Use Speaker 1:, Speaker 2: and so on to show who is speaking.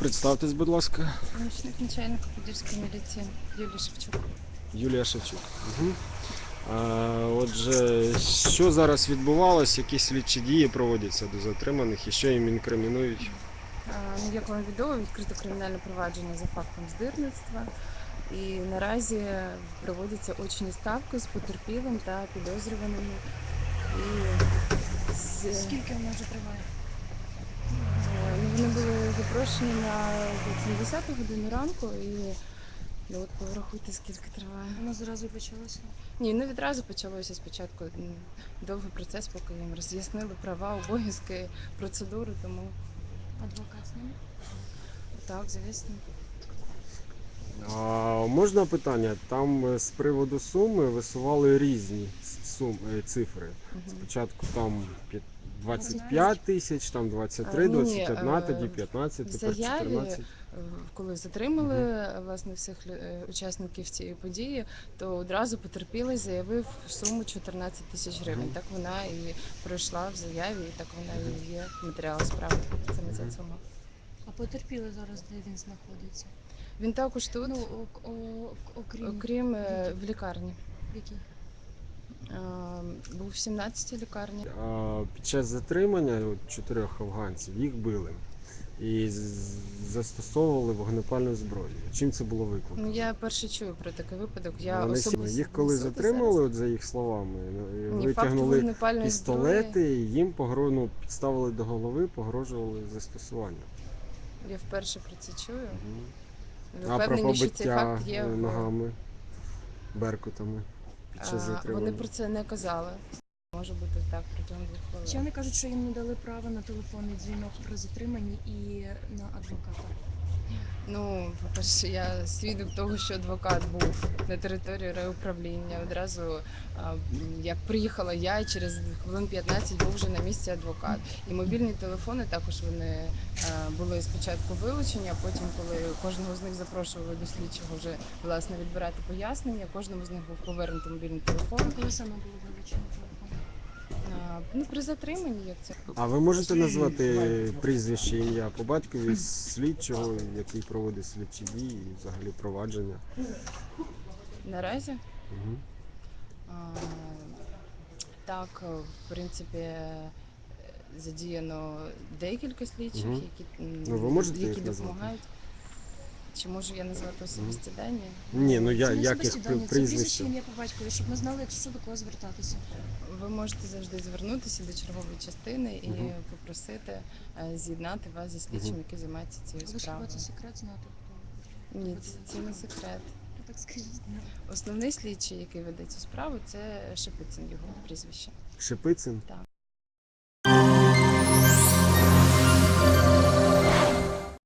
Speaker 1: Представтесь, будь ласка.
Speaker 2: Помічник начальника Подільської міліції Юлія Шевчук.
Speaker 1: Юлія Шевчук. Угу. Отже, що зараз відбувалось, які слідчі дії проводяться до затриманих і що їм інкримінують?
Speaker 2: Як вам відомо, відкрито кримінальне провадження за фактом здирництва. І наразі проводяться очні ставки з потерпілим та підозрюваними.
Speaker 3: Скільки вона вже триває?
Speaker 2: Вони були запрошені на 10 годину ранку і от порахуйте, скільки триває.
Speaker 3: Воно зразу і почалося?
Speaker 2: Ні, не відразу почалося спочатку довгий процес, поки їм роз'яснили права, обов'язки, процедури, тому
Speaker 3: Адвокат з ними?
Speaker 2: так, звісно.
Speaker 1: Можна питання? Там з приводу суми висували різні цифри. Спочатку там 25 тисяч, там 23,
Speaker 2: Ні,
Speaker 1: 21, тоді 15,
Speaker 2: в
Speaker 1: тепер
Speaker 2: заяві,
Speaker 1: 14.
Speaker 2: коли затримали власне всіх учасників цієї події, то одразу потерпілий заявив суму 14 тисяч гривень. Так вона і пройшла в заяві, і так вона і є в матеріалах справи. Саме ця сума.
Speaker 3: А потерпілий зараз, де він знаходиться?
Speaker 2: Він також тут,
Speaker 3: Ну,
Speaker 2: окрім в лікарні.
Speaker 3: В якій?
Speaker 2: Був в 17-й лікарні.
Speaker 1: Під час затримання 4 афганців їх били і застосовували вогнепальну зброю. Чим це було викликано?
Speaker 2: Я перше чую про такий випадок. Я
Speaker 1: Вони
Speaker 2: особисто
Speaker 1: їх коли затримали, от за їх словами,
Speaker 2: Ні, факту
Speaker 1: витягнули
Speaker 2: вогнепальної
Speaker 1: пістолети
Speaker 2: зброї.
Speaker 1: і їм підставили до голови, погрожували застосування.
Speaker 2: Я вперше про це чую. Ви
Speaker 1: А про
Speaker 2: впевнені, що цей
Speaker 1: побиття
Speaker 2: факт є
Speaker 1: ногами, беркутами під час затримання?
Speaker 2: Вони про це не казали. Може бути так протягом 2 хвилин.
Speaker 3: Ще вони кажуть, що їм не дали права на телефонний дзвінок при затриманні і на адвоката.
Speaker 2: Ну, по-перше, я свідок того, що адвокат був на території райуправління. Одразу, як приїхала я, через хвилин 15 був вже на місці адвокат. І мобільні телефони також вони були спочатку вилучені, а потім, коли кожного з них запрошували до слідчого вже власне відбирати пояснення, кожному з них був повернутий мобільний телефон.
Speaker 3: А коли саме було вилучено телефон?
Speaker 2: При затриманні, як це.
Speaker 1: А ви можете назвати прізвище, ім'я по батькові слідчого, який проводить слідчі дії і взагалі провадження?
Speaker 2: Наразі?
Speaker 1: Угу.
Speaker 2: Так, в принципі, задіяно декілька слідчих,
Speaker 1: Ви можете
Speaker 2: які
Speaker 1: їх назвати?
Speaker 2: допомагають. Чи можу я назвати особисті дані?
Speaker 1: Ні, ну
Speaker 3: Це не
Speaker 1: як їх
Speaker 3: особисті дані, це
Speaker 1: прізвище?
Speaker 3: прізвище, ім'я по батькові, щоб ми знали, якщо до кого звертатися.
Speaker 2: Ви можете завжди звернутися до чергової частини і попросити з'єднати вас зі слідчим, який займається цією
Speaker 3: Але ж хіба
Speaker 2: справою.
Speaker 3: це секрет знати, хто
Speaker 2: Ні,
Speaker 3: веде
Speaker 2: це
Speaker 3: справу?
Speaker 2: не секрет.
Speaker 3: Ну так скажіть.
Speaker 2: Основний слідчий, який веде цю справу, це Шепицин, його прізвище.
Speaker 1: Шепицин?
Speaker 2: Так.